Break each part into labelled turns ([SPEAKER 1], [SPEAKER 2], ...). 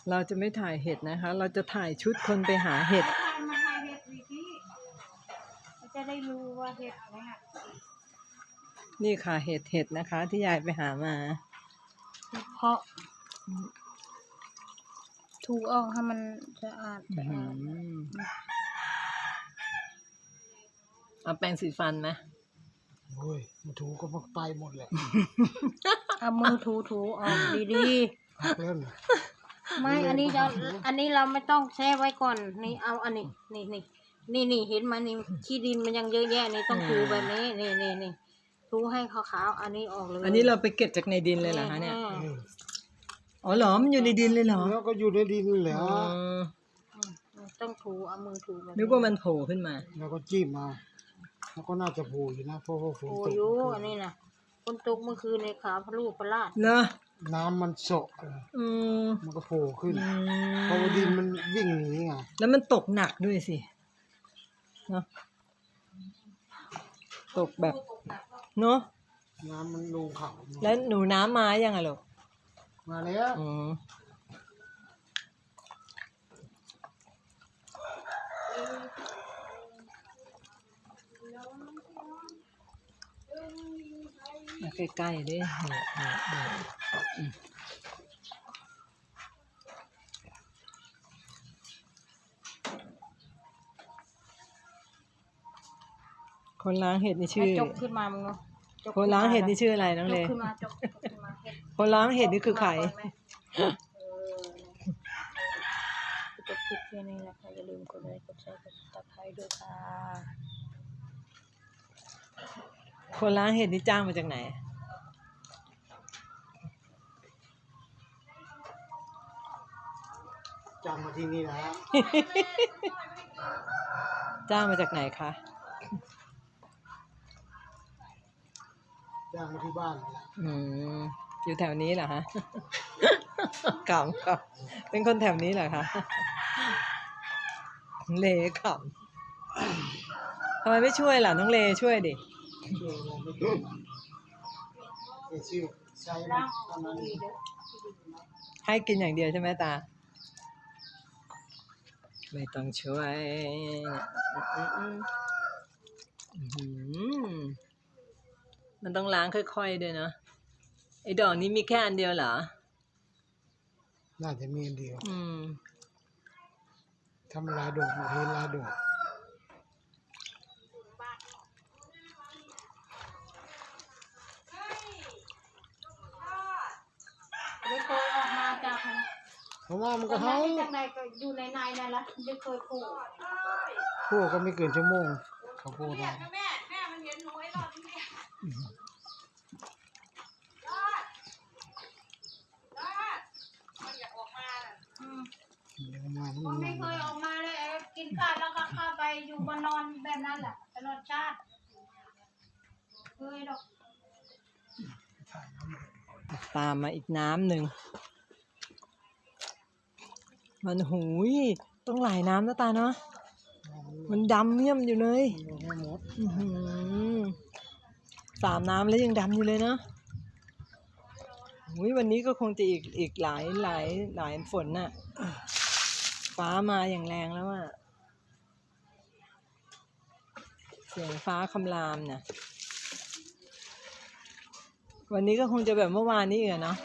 [SPEAKER 1] เราจะไม่ถ่ายเห็ดนะคะ เราจะถ่ายชุดคนไปหาเห็ด
[SPEAKER 2] มาถ่ายเห็ดวีที่จะได้รู้ว่าเห็ดนะคะ
[SPEAKER 1] นี่ค่ะเห็ดนะคะ ที่ยายไปหามา
[SPEAKER 2] เพาะถูออกให้มันสะอาด
[SPEAKER 1] เอาแปรงสีฟันไหม
[SPEAKER 3] โอ้ยมาถูก็มาไปหมดแหละ
[SPEAKER 2] เอามือถูออกดี
[SPEAKER 3] พักเล่น
[SPEAKER 2] ๆไม่อันนี้เราไม่ต้องแช่ไว้ก่อนนี่เอาอันนี้นี่เห็นไหมนี่ขี้ดินมันยังเยอะแยะนี่ต้องถูแบบนี้นี่ถูให้ขาวๆอันนี้ออกเลย
[SPEAKER 1] อันนี้เราไปเก็บจากในดินเลยเหรอคะเนี่ยอ๋อเหรอมันอยู่ในดินเลยเหรอ
[SPEAKER 3] แล้วก็อยู่ในดินแหละ
[SPEAKER 2] ต้องถูเอามือถูแบบ
[SPEAKER 1] นึกว่ามันโผล่ขึ้นมา
[SPEAKER 3] แล้วก็จิ้มมาแล้วก็น่าจะโผล่อยู่นะเพราะว่าฝนตก
[SPEAKER 2] อยู่อันนี้นะฝนตกเมื่อคืนในขาพลูพลาด
[SPEAKER 1] เนอะ
[SPEAKER 3] น้ำมันโศกมันก็โผล่ขึ้นเพราะว่าดินมันวิ่งหนีไง
[SPEAKER 1] แล้วมันตกหนักด้วยสิเนาะตกแบบเนาะ
[SPEAKER 3] น้ำมันลงเขา
[SPEAKER 1] แล้วหนูน้ำมายังอะลูก
[SPEAKER 3] มาแล้ว
[SPEAKER 1] ใกล้ๆดิคนล้างเห็ดนี่ชื่อ
[SPEAKER 2] จกขึ้นมามึง
[SPEAKER 1] คนล้างเห็ดนี่ชื่ออะไรน้องเล
[SPEAKER 2] จกขึ้นมา
[SPEAKER 1] คนล้างเห็ดนี่คือใคร
[SPEAKER 2] จบคลิปแค่นี้นะคะอย่าลืมกดไลค์กดแชร์กดติดตามด้วยค่ะ
[SPEAKER 1] คนล้างเห็ดนี่จ้างมาจากไหน
[SPEAKER 3] จ้างมาที่นี่นะ
[SPEAKER 1] จ้างมาจากไหนคะ
[SPEAKER 3] จ้างมาที่บ้าน
[SPEAKER 1] อยู่แถวนี้เหรอฮะขำเป็นคนแถวนี้เหรอคะเลขำทำไมไม่ช่วยล่ะน้องเลช่วยดิให้กินอย่างเดียวใช่ไหมตาไม่ต้องช่วยมันต้องล้างค่อยๆด้วยเนาะไอ้ดอกนี้มีแค่อันเดียวเหรอ
[SPEAKER 3] น่าจะมีอันเดียวทำลายดอกเห็นลายดอก
[SPEAKER 2] ไม่เคยออกมาจาก
[SPEAKER 3] เพราะว่ามันก็เฮา
[SPEAKER 2] จากไหนก็อยู่ในนั่นแหละไม่เคยขู่
[SPEAKER 3] ก็ไม่เกินชั่วโมงเขาพูดได้
[SPEAKER 2] แม่มันเห็นหนูไอ้รอดที่นี่มันอยากออกมาไม่เคยออกมาเลยกินข้าวแล้วก็เข้าไปอยู่บนนอนแบบนั้นแหละตลอดชาติเคยดอก
[SPEAKER 1] ตามมาอีกน้ำหนึ่งมันหูยต้องหลายน้ำนะตาเนาะมันดำเมี่ยมอยู่เลย3 น้ำแล้วยังดำอยู่เลยเนาะวันนี้ก็คงจะอีกหลายฝนน่ะฟ้ามาอย่างแรงแล้วอ่ะเสียงฟ้าคำรามเนี่ยวันนี้ก็คงจะแบบเมื่อวานนี้อีกเนาะ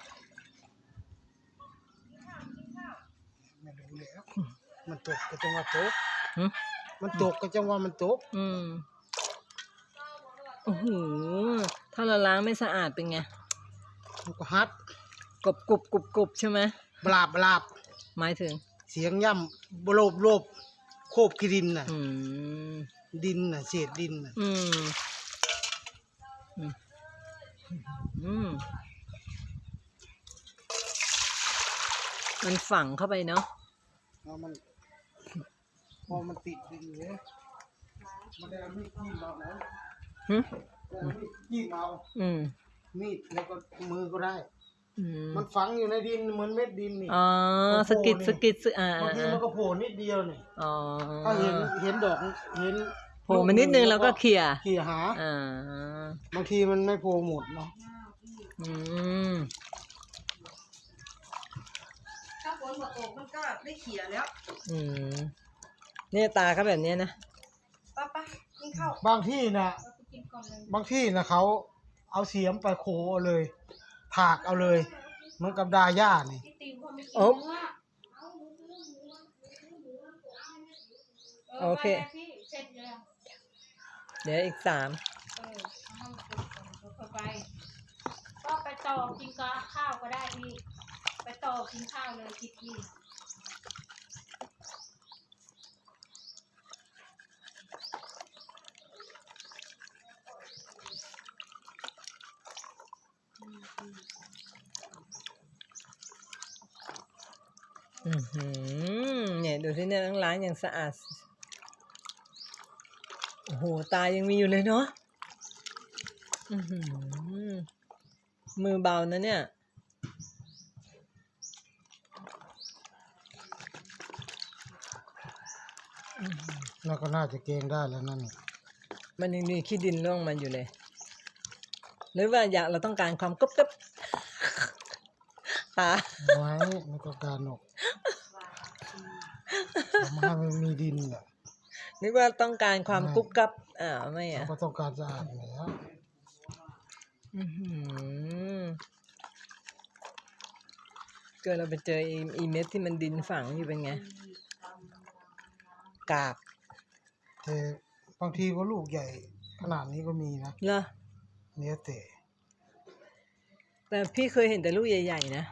[SPEAKER 3] ไม่รู้แล้วมันตกก็จังว่าตกมันตกก็จังว่ามันตก
[SPEAKER 1] โอ้โหถ้าเราล้างไม่สะอาดเป็นไง
[SPEAKER 3] มันก็ฮัด
[SPEAKER 1] กบใช่ไหม
[SPEAKER 3] บลาบ
[SPEAKER 1] หมายถึง
[SPEAKER 3] เสียงย่ำโลบโคบขี้ดินน่ะดินน่ะเศษดินน่ะ
[SPEAKER 1] มันฝังเข้าไปเนาะ
[SPEAKER 3] มันพอมันติดดินเลยมันได้มีดจิ้มเอานะจิ้มเอามีดแล้วก็มือก็ได้มันฝังอยู่ในดินเหมือนเม็ดดินนี่
[SPEAKER 1] สกิด
[SPEAKER 3] บางทีมันก็โผล่นิดเดียวนี่ถ้าเห็นดอกเห็น
[SPEAKER 1] โผล่มานิดนึงแล้วก็เขี่ย
[SPEAKER 3] หาบางทีมันไม่โผล่หมดเนาะ
[SPEAKER 2] ถ้าฝนนมาตกมันก็ได้เขี่ยแล้ว
[SPEAKER 1] อืมเนี่ยตาก็แบบเนี้ยนะ
[SPEAKER 2] ป้ากินข้าว
[SPEAKER 3] บางที่นะ
[SPEAKER 2] เราไปกินก่อนเลย
[SPEAKER 3] บางที่นะเขาเอาเสียมไปโคเอาเลย ถากเอาเลย เหมือนกับดาย่านี่
[SPEAKER 2] พี่ติวเขาไม่กิน
[SPEAKER 1] โอ้
[SPEAKER 2] เนื้อ
[SPEAKER 1] โอเค
[SPEAKER 2] ไปพี่เสร็จแล้ว
[SPEAKER 1] เดี๋ยวอีก3
[SPEAKER 2] เอาให้มันเป็นก่อนเดี๋ยวค่อยไปก็ไปต่อกินกับข้าวก็ได้พี่ไปต่อกินข้าวเลยคิดพี่
[SPEAKER 1] เนี่ยดูสิเนี่ยล้างอย่างสะอาด โอ้โหตายังมีอยู่เลยเนาะมือเบานะเนี่ย
[SPEAKER 3] แล้วก็น่าจะเกงได้แล้วนั่นนี่
[SPEAKER 1] มันยังมีขี้ดินร่วงมันอยู่เลย หรือว่าเราต้องการความกรุบกรับตา
[SPEAKER 3] ไว้ไม่ต้องการหรอกทำให้มันมีดินแหละ
[SPEAKER 1] นึกว่าต้องการความกรุบกรับไม่
[SPEAKER 3] เราก็ต้องการสะอาดแล้ว
[SPEAKER 1] เกิดเราไปเจออีเม็ดที่มันดินฝังอยู่เป็นไง กาก
[SPEAKER 3] แต่บางทีก็ลูกใหญ่ขนาดนี้ก็มีนะ
[SPEAKER 1] เหรอ
[SPEAKER 3] เนี่ยแต่
[SPEAKER 1] พี่เคยเห็นแต่ลูกใหญ่ๆนะ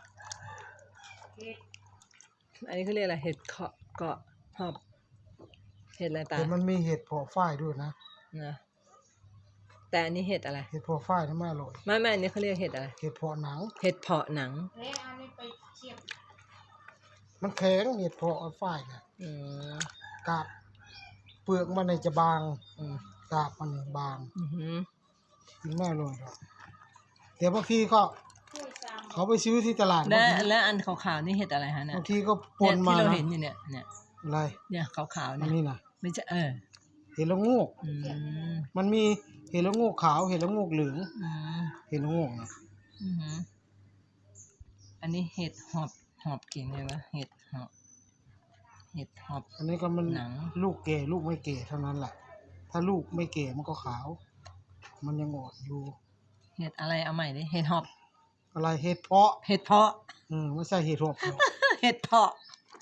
[SPEAKER 1] อันนี้เขาเรียกอะไรเห็ดเกาะหอบเห็ดอะไรตา
[SPEAKER 3] แต่มันมีเห็ดเพาะฝ้ายด้วยนะ
[SPEAKER 1] นะแต่อันนี้เห็ดอะไร
[SPEAKER 3] เห็ดเพาะฝ้ายนี่ไม่อร่อย
[SPEAKER 1] ไม่อันนี้เขาเรียกเห็ดอะไร
[SPEAKER 3] เห็ดเพาะหนัง
[SPEAKER 1] เห็ดเพาะหนัง
[SPEAKER 2] เละเอานี่ไปเทียบ
[SPEAKER 3] มันแข็งเห็ดเพาะฝ้ายเนี่ย
[SPEAKER 1] อืม
[SPEAKER 3] กาบเปลือกมันเนี่ยจะบาง
[SPEAKER 1] อืม
[SPEAKER 3] กาบมันเนี่ยบาง
[SPEAKER 1] อือหือ
[SPEAKER 3] กินไม่อร่อยหรอกแต่บางทีก็
[SPEAKER 2] ช่วยตาม
[SPEAKER 3] เขาไปซื้อที่ตลาด
[SPEAKER 1] และ
[SPEAKER 3] บางที
[SPEAKER 1] และอันขาวๆนี่เห็ดอะไรฮะเนี่ย
[SPEAKER 3] บางทีก็ป
[SPEAKER 1] เนี่ย
[SPEAKER 3] นมา
[SPEAKER 1] ที่เรา
[SPEAKER 3] นะ
[SPEAKER 1] เห็นอยู่เนี่ย
[SPEAKER 3] อะไร
[SPEAKER 1] เนี่ยขาวๆ
[SPEAKER 3] อัน
[SPEAKER 1] เนี่ย
[SPEAKER 3] นี้นะ
[SPEAKER 1] ไม่ใช่
[SPEAKER 3] เห็ดละโงูก
[SPEAKER 1] อืม
[SPEAKER 3] มันมีเห็ดละโงูกขาวเห็ดละโงูกเหลือง
[SPEAKER 1] อืม
[SPEAKER 3] เห็ดละโงูกนะ
[SPEAKER 1] อือหืออันนี้เห็ดหอบกินเลยวะเห็ดหอบ
[SPEAKER 3] อันนี้ก็มัน
[SPEAKER 1] หนัง
[SPEAKER 3] ลูกแก่ลูกไม่แก่เท่านั้นแหละถ้าลูกไม่แก่มันก็ขาว มันยังอ่อนอยู่
[SPEAKER 1] เห็ดอะไรเอาใหม่ดิเห็ดหอบ
[SPEAKER 3] อะไรเห็ดเพาะ
[SPEAKER 1] เห็ดเพาะ
[SPEAKER 3] ไม่ใช่เห็ดหอบหรอก
[SPEAKER 1] เห็ดเพาะ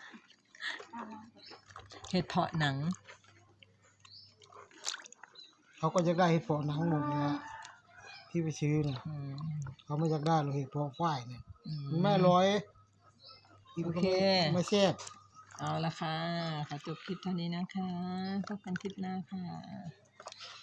[SPEAKER 1] เห็ดเพาะหนัง
[SPEAKER 3] เขาก็จะได้เห็ดเพาะหนังหมดเนี่ยที่ไปซื้อเนี่ย
[SPEAKER 1] อืม
[SPEAKER 3] เขาไม่อยากได้หรอกเห็ดเพาะฝ้ายเนี่ย
[SPEAKER 1] อืม
[SPEAKER 3] มันไม่อร่อยกินก็
[SPEAKER 1] โอเค
[SPEAKER 3] ไม่แซ่บ
[SPEAKER 1] เอาละค่ะขอจบคลิปเท่านี้นะคะพบกันคลิปหน้าค่ะ